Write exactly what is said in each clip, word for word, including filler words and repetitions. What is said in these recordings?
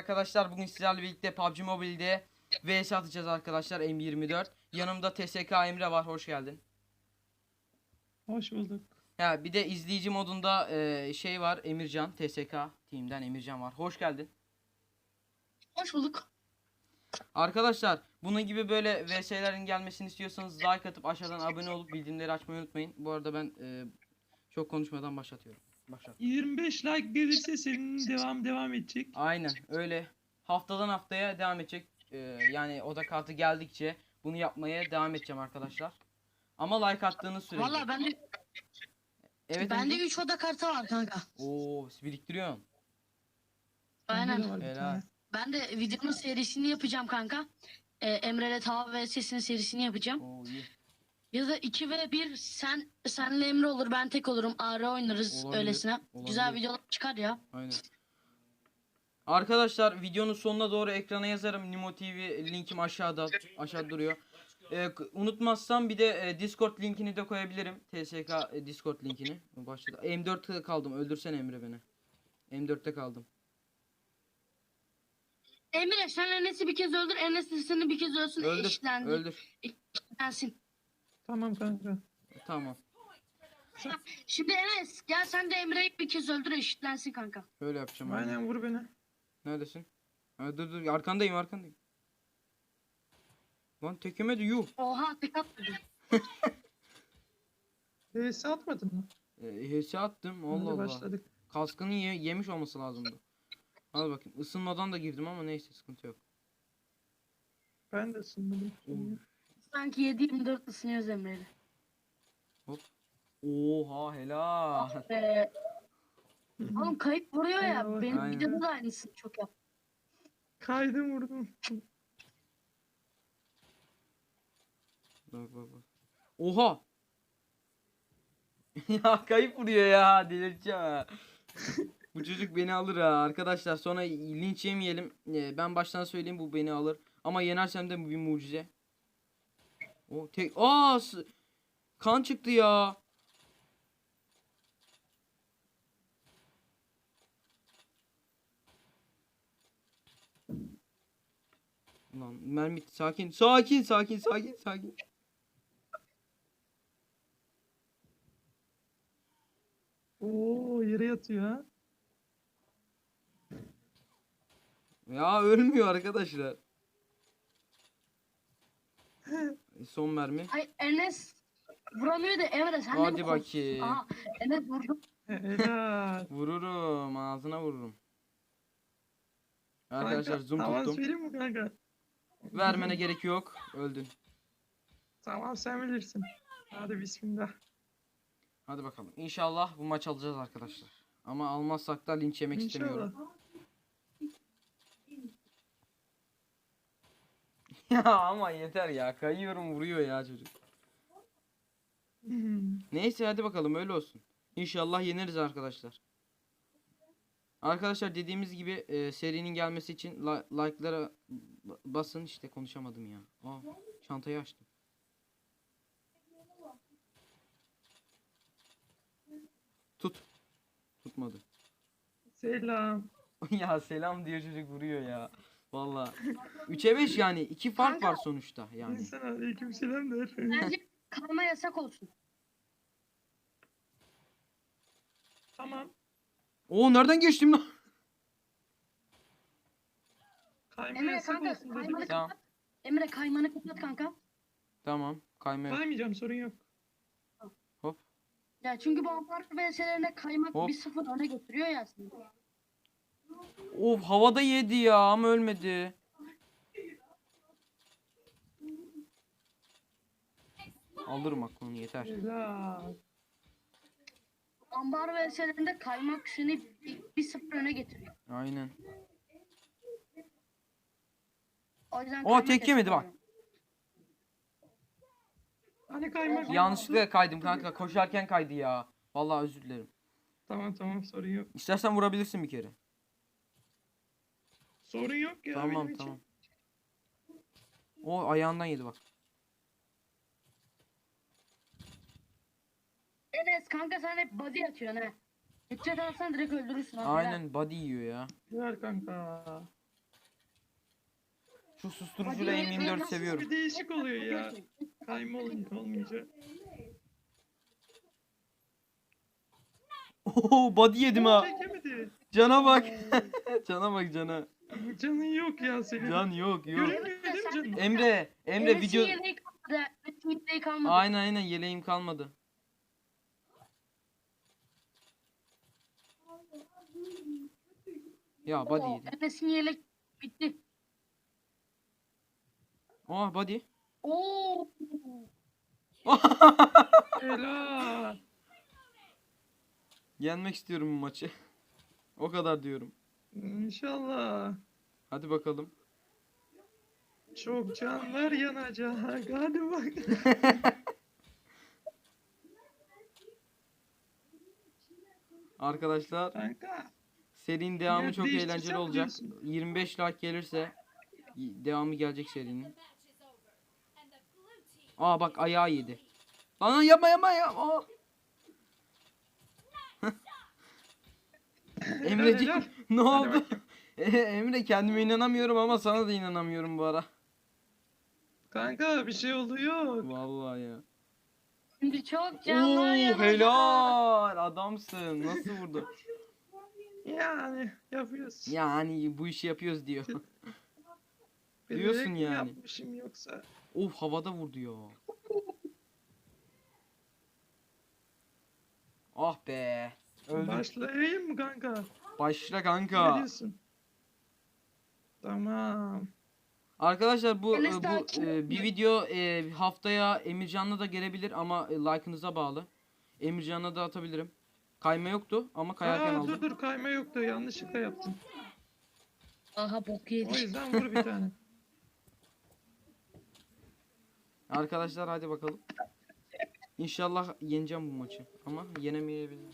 arkadaşlar. Bugün sizlerle birlikte P U B G Mobile'de V S atacağız arkadaşlar. M yirmi dört. Yanımda T S K Emre var. Hoş geldin. Hoş bulduk. Ya bir de izleyici modunda e, şey var. Emircan. T S K Team'den Emircan var. Hoş geldin. Hoş bulduk. Arkadaşlar bunun gibi böyle V S'lerin gelmesini istiyorsanız like atıp aşağıdan abone olup bildirimleri açmayı unutmayın. Bu arada ben e, çok konuşmadan başlatıyorum. Başlat. yirmi beş like gelirse senin devam devam edecek. Aynen öyle. Haftadan haftaya devam edecek. Ee, yani oda kartı geldikçe bunu yapmaya devam edeceğim arkadaşlar. Ama like attığınız sürece. Valla bende Evet. bende Emre. üç oda kartı var kanka. Oo, biriktiriyorsun. Bende de Aynen. var bir Helal. tane. Ben de videonun serisini yapacağım kanka. Ee, Emre'yle Tava ve Ses'in serisini yapacağım. Oo iyi. Ya da iki ve bir sen senle Emre olur, ben tek olurum. A R oynarız Olabilir, öylesine. olabilir. Güzel videolar çıkar ya. Aynen. Arkadaşlar videonun sonuna doğru ekrana yazarım. Nimo T V linkim aşağıda. Aşağıda duruyor. Ee, k- unutmazsam bir de e, Discord linkini de koyabilirim. T S K e, Discord linkini. Başladı. M dörtte kaldım. Öldürsene Emre beni. M dörtte kaldım. Emre sen Enes'i bir kez öldür, Enes de seni bir kez ölsün. Öldür. Eşitlendi. Öldür. Eşitlensin. Tamam kanka. Tamam. Şimdi Enes gel sen de Emre'yi bir kez öldür, eşitlensin kanka. Öyle yapacağım. Aynen. Aynen vur beni. Neredesin? Ha, dur dur arkandayım arkandayım. Lan tek yemedi yuh. Oha tek atmadı. V S atmadın mı? E, H S attım Allah Hadi Allah. başladık. Kaskını ye- yemiş olması lazımdı. Al bakayım ısınmadan da girdim ama neyse sıkıntı yok. Ben de ısınmadım. Uf. Sanki yedi yirmi dört ısınıyoruz Emre'yle. Oha helal. Ee, oğlum kayıp vuruyor ya. Eyvallah. Benim Aynen. videoda da aynısını çok yap. Kaydım vurdum. Bak bak bak. Oha. Ya kayıp vuruyor ya delireceğim ha. Bu çocuk beni alır ha arkadaşlar sonra linç yemeyelim. Ee, ben baştan söyleyeyim bu beni alır. Ama yenersem de bu bir mucize. O tek aa s- kan çıktı ya. Lan mermi sakin sakin sakin sakin sakin. Oo yere yatıyor ha. Ya ölmüyor arkadaşlar. E, Son mermi. Ay Enes vuramıyor da Emre sen de Hadi mi korktun? bakayım. Aha Enes vurdu. Helal. Vururum ağzına vururum. Arkadaşlar Kanka, zoom avans tuttum. vereyim mi kanka? Vermene gerek yok. Öldün. Tamam sen bilirsin. Hadi bismillah. Hadi bakalım. İnşallah bu maç alacağız arkadaşlar. Ama almazsak da linç yemek istemiyorum. İnşallah. Ya ama yeter ya. Kayıyorum vuruyor ya çocuk. Hmm. Neyse hadi bakalım öyle olsun. İnşallah yeneriz arkadaşlar. Arkadaşlar dediğimiz gibi e, serinin gelmesi için li- like'lara b- basın. İşte konuşamadım ya. Aa, çantayı açtım. Tut. Tutmadı. Selam. Ya selam diyor çocuk vuruyor ya. Vallahi. üçe beş yani. iki fark var sonuçta yani. İnsan aleyküm selam der. Bence karma yasak olsun. Tamam. Oo nereden geçtim lan? Kayma Emre yasak kanka olsun kaymanı dedim. Tamam. kapat. Emre kaymanı kapat kanka. Tamam. Kayma. Kaymayacağım sorun yok. Hop. Ya çünkü bu apart V S'lerine kaymak Hop. bir sıfır öne götürüyor ya aslında. Of havada yedi ya ama ölmedi. Alırım aklını yeter. Helal. Ambar V S'lerinde kaymak seni bir, bir sıfır öne getiriyor. Aynen. O yüzden Aa, kaymak tek yemedi yasak bak. oluyor. Hani kaymak. Yanlışlıkla kaydım kanka. Koşarken kaydı ya. Vallahi özür dilerim. Tamam tamam sorun yok. İstersen vurabilirsin bir kere. Sorun yok ya Tamam benim tamam. için. O ayağından yedi bak. Enes kanka sen hep body atıyorsun ha. Headshot alsan direkt öldürürsün. ha. Aynen body yiyor ya. Güzel kanka. Şu susturucuyla M yirmi dört seviyorum. Bir değişik oluyor ya. Kayma olunca olmayınca. Oo, body yedim ha. Çekemedi. Cana bak. Cana bak cana. Canın yok ya senin. Can yok yok. Görünmüyor değil mi canın? Emre, Emre Enes'in video... yeleği kalmadı. Enes'in yeleği kalmadı. Aynen aynen yeleğim kalmadı. Ya body yedim. Enes'in yelek bitti. Aa body. Oo. Helal. Yenmek istiyorum bu maçı. O kadar diyorum. İnşallah. Hadi bakalım. Çok canlar yanacak. Hadi bak. Arkadaşlar Kanka. serinin devamı Ya çok değiştirsem eğlenceli olacak. diyorsun. yirmi beş like gelirse devamı gelecek serinin. Aa bak ayağı yedi. Lan yapma yapma yapma. Emreciğim helal. ne Hadi oldu? bakayım. Emre kendime inanamıyorum ama sana da inanamıyorum bu ara. Kanka bir şey oluyor. Vallahi ya. Şimdi çok Oo canlar yanacak. helal adamsın. Nasıl vurdu? Yani yapıyoruz. Yani bu işi yapıyoruz diyor. Bilerek diyorsun mi yani. yapmışım yoksa. Of havada vurdu ya. Ah be. Öldüm. Başlayayım mı kanka? Başla Ne kanka. diyorsun? Tamam. Arkadaşlar bu Enes e, daha bu kim? e, bir video e, haftaya Emircan'la da gelebilir ama e, like'ınıza bağlı. Emircan'la da atabilirim. Kayma yoktu ama kayarken Aa, aldım. dur dur kayma yoktu. Yanlışlıkla yaptım. Aha bok O yedi. yüzden vur bir tane. Arkadaşlar hadi bakalım. İnşallah yeneceğim bu maçı ama yenemeyebilirim.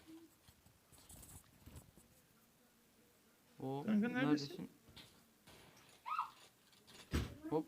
O Kanka neredesin? neredesin? Hop.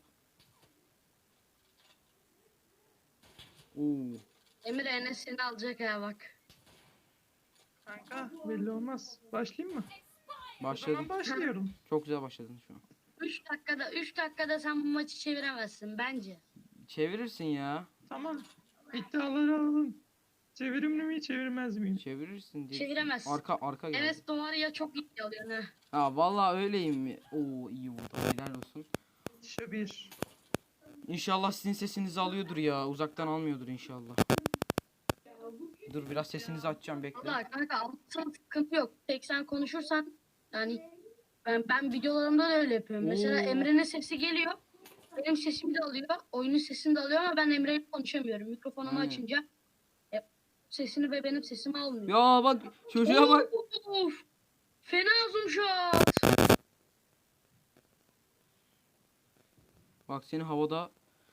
Oo. Emre Enes seni alacak ha bak. Kanka belli olmaz. Başlayayım mı? O Başladım. zaman başlıyorum. Çok güzel başladın şu an. üç dakikada üç dakikada sen bu maçı çeviremezsin bence. Çevirirsin ya. Tamam. İddiaları alalım. Çevirimli mi çevirmez miyim? Çevirirsin diye. Çeviremezsin. Arka arka geldi. Enes doğru ya çok iyi alıyorsun ha. Ha vallahi öyleyim mi? Oo iyi vurdu. Helal olsun. Şu bir. İnşallah sizin sesinizi alıyordur ya. Uzaktan almıyordur inşallah. Dur biraz sesinizi açacağım bekle. Valla kanka alırsan sıkıntı yok. Tek sen konuşursan yani ben, ben videolarımda da öyle yapıyorum. Mesela Oo. Emre'nin sesi geliyor. Benim sesimi de alıyor. Oyunun sesini de alıyor ama ben Emre'yle konuşamıyorum. Mikrofonumu Aynen. açınca e, sesini ve benim sesimi almıyor. Ya bak çocuğa bak. Of! Fena zoom shot. Bak seni havada.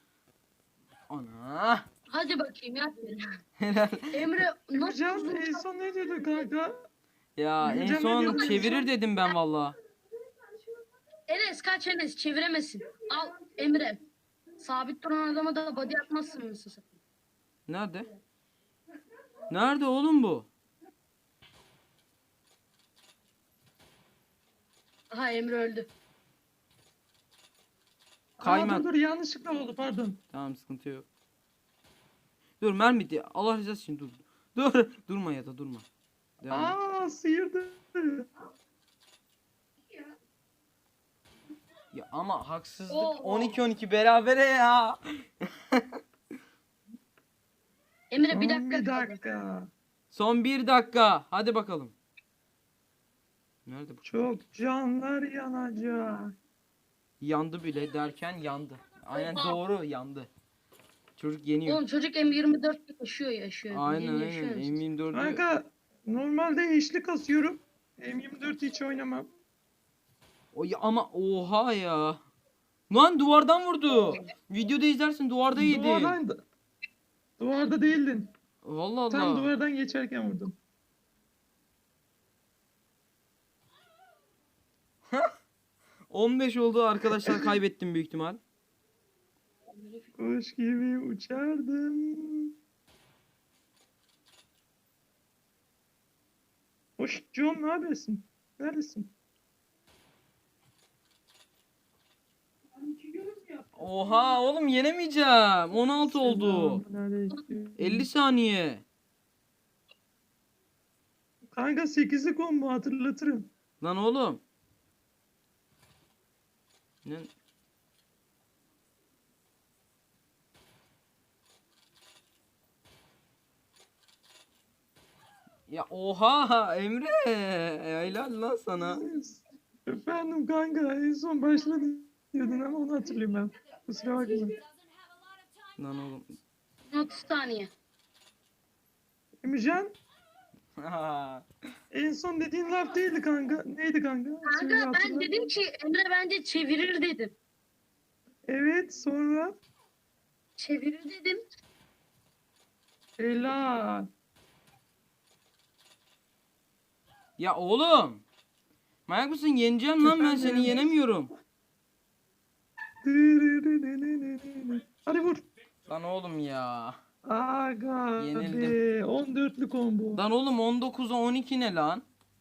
Ana. Hadi bakayım ya. Helal. Emre nasıl Can zoom en shot? son ne diyordu kanka? Ya en Emircan ne son diyordu? çevirir dedim ben valla. Enes kaç Enes çeviremesin. Al Emre. Sabit duran adama da body atmazsın mısın? Nerede? Nerede oğlum bu? Aha Emre öldü. Kayma. Aa, dur dur yanlışlıkla oldu pardon. Tamam sıkıntı yok. Dur mermi diye. Allah rızası için dur. Dur. Durma ya da durma. Devam et. Aa sıyırdı. Ya ama haksızlık. Oo. on iki on iki berabere ya. Emre bir Son dakika bir kaldı. dakika. Son bir dakika. Hadi bakalım. Nerede bu? Çok canlar yanacak. Yandı bile derken yandı. Aynen Oha. doğru yandı. Çocuk yeniyor. Oğlum çocuk M yirmi dört yaşıyor yaşıyor. Aynen Bildiğin aynen. yaşıyor musun? M yirmi dördü. Kanka normalde eşli kasıyorum. M yirmi dört hiç oynamam. O ya ama oha ya. Lan duvardan vurdu. Videoda izlersin duvarda yedi. Duvardan da- Duvarda değildin. Vallahi Tam Allah. duvardan geçerken vurdum. on beş oldu arkadaşlar kaybettim büyük ihtimal. Kuş gibi uçardım. Hoş John ne yapıyorsun? Neredesin? Oha oğlum yenemeyeceğim. on altı oldu. Selamünaleyküm. elli saniye. Kanka sekizli combo hatırlatırım. Lan oğlum. Ne? Ya oha Emre. Helal lan sana. Efendim kanka en son başladı diyordun ama onu hatırlıyorum ben. Kusura bakma. Lan oğlum. otuz saniye. Emircan en son dediğin laf değildi kanka. Neydi kanka? Söyle, Kanka ben hatırla. dedim ki Emre bence çevirir dedim. Evet sonra. Çevirir dedim. Helal. Ya oğlum. Manyak mısın? Yeneceğim lan ben seni Efendim? yenemiyorum. Hadi vur. Lan oğlum ya. Aga Yenildim. be. on dörtlü combo. Lan oğlum on dokuza on iki ne lan?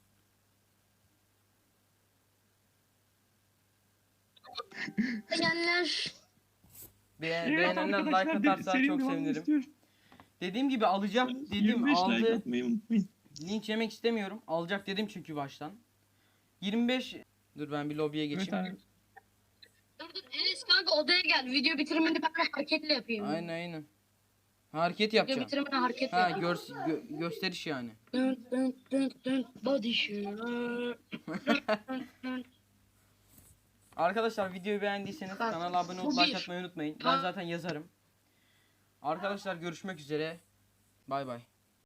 Beğenler. Be Evet beğenenler like arkadaşlar, de- atarsa serinin çok devamını sevinirim. istiyorum. Dediğim gibi alacak dedim yirmi beş like aldı. atmayı unutmayın. Linç yemek istemiyorum. Alacak dedim çünkü baştan. yirmi beş. Dur ben bir lobiye Evet geçeyim. abi. Dur dur Enes kanka odaya gel. Video bitirimini ben de hareketle yapayım. Aynen aynen. Hareket Video yapacağım. bitirimini hareketle Ha yapayım. gör, gö- gösteriş yani. Dın dın dın dın body shimmer. Dın dın. Arkadaşlar videoyu beğendiyseniz Bak, kanala abone bu olup like bir. atmayı unutmayın. Ben Ha. zaten yazarım. Arkadaşlar görüşmek üzere. Bay bay.